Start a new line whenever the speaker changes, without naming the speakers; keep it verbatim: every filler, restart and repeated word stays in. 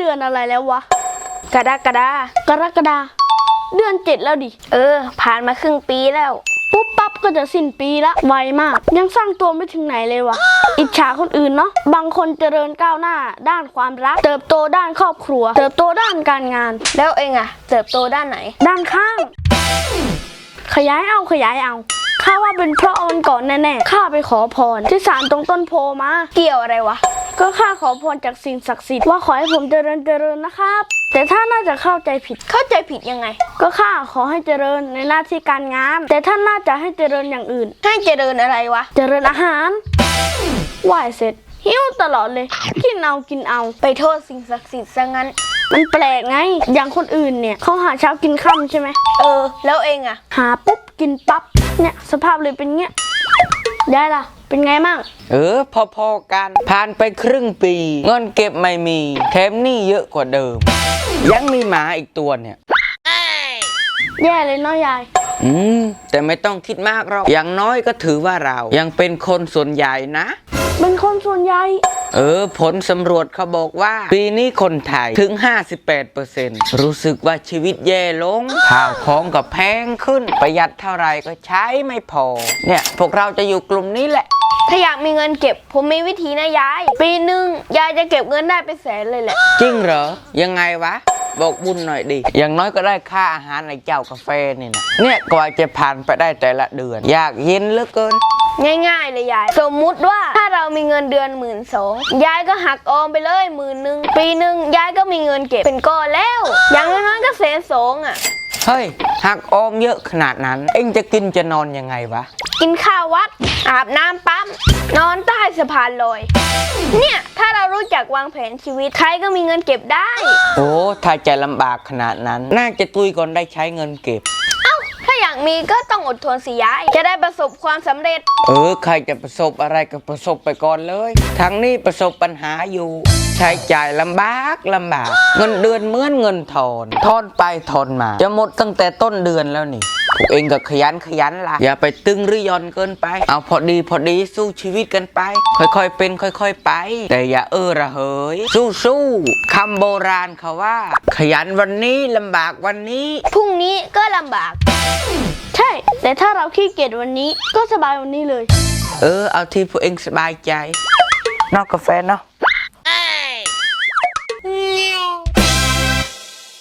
ดือนอะไรแล้ววะ
กรกฎาก
รกฎาเดือนเจ็ดแล้วดิ
เออผ่านมาครึ่งปีแล้ว
ปุ๊บปั๊บก็จะสิ้นปีละไวมากยังสร้างตัวไม่ถึงไหนเลยวะอิจฉาคนอื่นเนาะบางคนเจริญก้าวหน้าด้านความรักเติบโตด้านครอบครัวเติบโตด้านการงาน
แล้วเองอะเติบโตด้านไหน
ด้านข้างขยายเอาขยายเอาข้าว่าเป็นเพราะวันก่อนแน่ๆข้าไปขอพรที่ศาลตรงต้นโพมา
เกี่ยวอะไรวะ
ก็ข้าขอพรจากสิ่งศักดิ์สิทธิ์ว่าขอให้ผมเจริญเจริญนะครับแต่ถ้าน่าจะเข้าใจผิด
เข้าใจผิดยังไง
ก็ข้าขอให้เจริญในหน้าที่การงานแต่ท่านน่าจะให้เจริญอย่างอื่น
ให้เจริญอะไรวะ
เจริญอาหารไหว้เสร็จหิวตลอดเลยกินเอากินเอา
ไปโทษสิ่งศักดิ์สิทธิ์ซะงั้น
มันแปลกไงอย่างคนอื่นเนี่ยเขาหาเช้ากินค่ำใช่ไหม
เออแล้วเองอะ
หาปุ๊บกินปั๊บเนี่ยสภาพเลยเป็นเงี้ยได้ล่ะเป็นไงมั่ง
เออพอๆกันผ่านไปครึ่งปีเงินเก็บไม่มีแถมหนี้เยอะกว่าเดิมยังมีหมาอีกตัวเนี่ย
แย่เลยเนาะยาย
อืมแต่ไม่ต้องคิดมากหรอกอย่างน้อยก็ถือว่าเรายังเป็นคนส่วนใหญ่นะ
เป็นคนส่วนใหญ่
เออผลสำรวจเขาบอกว่าปีนี้คนไทยถึง ห้าสิบแปดเปอร์เซ็นต์ รู้สึกว่าชีวิตแย่ลงข้าวของก็แพงขึ้นประหยัดเท่าไรก็ใช้ไม่พอเนี่ยพวกเราจะอยู่กลุ่มนี้แหละ
ถ้าอยากมีเงินเก็บผมมีวิธีนะยายปีหนึ่งยายจะเก็บเงินได้เป็นแสนเลยแหละ
จริงเหรอยังไงวะบอกบุญหน่อยดิอย่างน้อยก็ได้ค่าอาหารในเจ้ากาแฟนี่นะเนี่ยกว่าจะผ่านไปได้แต่ละเดือนอยากเย็นเหลือเกิน
ง่ายๆเลยยายสมมุติว่าถ้าเรามีเงินเดือนหมื่นสองยายก็หักออมไปเลยหมื่นหนึ่งปีหนึ่งยายก็มีเงินเก็บเป็นก้อนแล้วอย่างน้อยๆก็แสนสองอ่ะ
เฮ้ยหักออมเยอะขนาดนั้นเอ็งจะกินจะนอนยังไงวะ
กินข้าววัดอาบน้ำปั๊มนอนใต้สะพานลอยเนี่ยถ้าเรารู้จักวางแผนชีวิตใครก็มีเงินเก็บได้
โอ้ถ้าใจลำบากขนาดนั้นน่าจะตุยก่อนได้ใช้เงินเก็บ
เอ้าถ้าอยากมีก็ต้องอดทนสิยายจะได้ประสบความสำเร็จ
เออใครจะประสบอะไรก็ประสบไปก่อนเลยทั้งนี้ประสบปัญหาอยู่ใช้จ่ายลำบากลำบากเงินเดือนเหมือนเงินทอนทอนไปทอนมาจะหมดตั้งแต่ต้นเดือนแล้วนี่พวกเองก็ขยันขยันล่ะอย่าไปตึงหรือย่อนเกินไปเอาพอดีพอดีสู้ชีวิตกันไปค่อยๆเป็นค่อยๆไปแต่อย่าเออระเหยสู้ๆคำโบราณเขาว่าขยันวันนี้ลำบากวันนี้
พรุ่งนี้ก็ลำบาก
ใช่แต่ถ้าเราขี้เกียจวันนี้ก็สบายวันนี้เลย
เออเอาที่พวกเองสบายใจนอกกาแฟเนาะ